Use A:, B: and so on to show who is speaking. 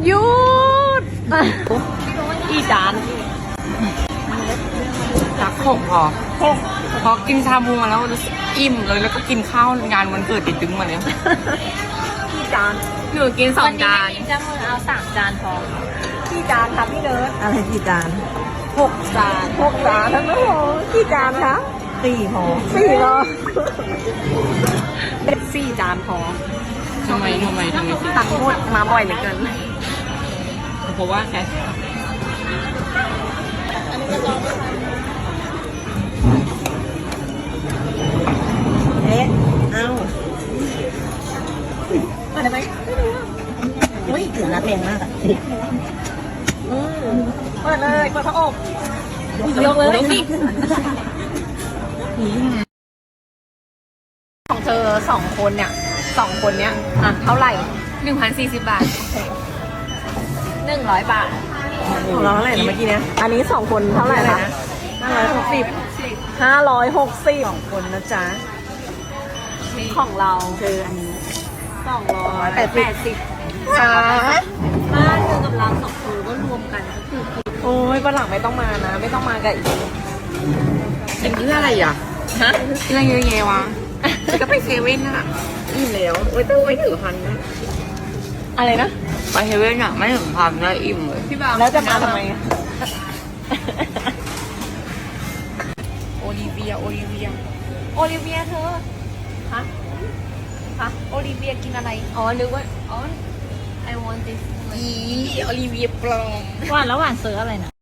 A: หยุดกี่จาน
B: รัก6พอกินชาบูมาแล้วรู้สึกอิ่มเลยแล้วก็กินข้าวงานวันเกิดติดตึงมาเลย
A: กี่จาน
B: หนูกิน2 จาน
C: จะมือเอา3 จานพอ
A: กี่จานครับพี่เนิร์ด
D: อะไรกี่จาน
A: 6 จาน6 จานทั้งนั้นโอ้กี่จานคะ
D: 4พอ
A: 4เหรอ4 จานพอ
B: ทำไมสิ
A: ตักหมดมาบ่อยเหลือเกิน
B: เพราะว่าแค่
D: เอ๊ะเอ้า
A: มาได้ไหม
D: อุ้ยถือนัดแรงมากอ่ะ
A: เปิดเลยเปิดพระอบ
B: ยกเลยสิ
A: ของเธอ2 คนเนี่ย2 คนเนี้ยอ่ะเท่าไหร่
B: 1,040 บาท
C: 100 บาท
D: ของเราเท่าไหร่นะเมื่อกี้เนี้ย
A: อันนี้2 คนเท่าไหร่คะ 560
D: 2คนนะจ๊ะ
A: ของเรา
D: คืออันนี้
A: 280ค่ะ
C: บ้านเธอกับเรา2 คนก็รวมกันก็คือ
A: โอ้ยวันหลังไม่ต้องมานะ ไม่ต้องมากับอีก
B: กินเพื่ออะไรอ่ะ
A: ฮะ
B: กินอะไรเยอะแยะวะก็ไปเซเว่นอ่ะอิ่มแล้วต้องไม่ถึงพันนะ
A: อะไรนะ
B: ไปเซเว่นอ่ะไม่ถึงพันนะอิ่มเลย
A: พี่บ่าวแล้วจะมาทำไมอะ
B: โอลิเวีย
C: โอลิเวียเธอ
A: ฮะ
C: โอลิเวียกินอะไร
A: อ๋อนึกว่า
C: อ๋อ I want this
B: อีโอลิเวียปลอม
C: หวานแล้วหวานซื้ออะไรนะ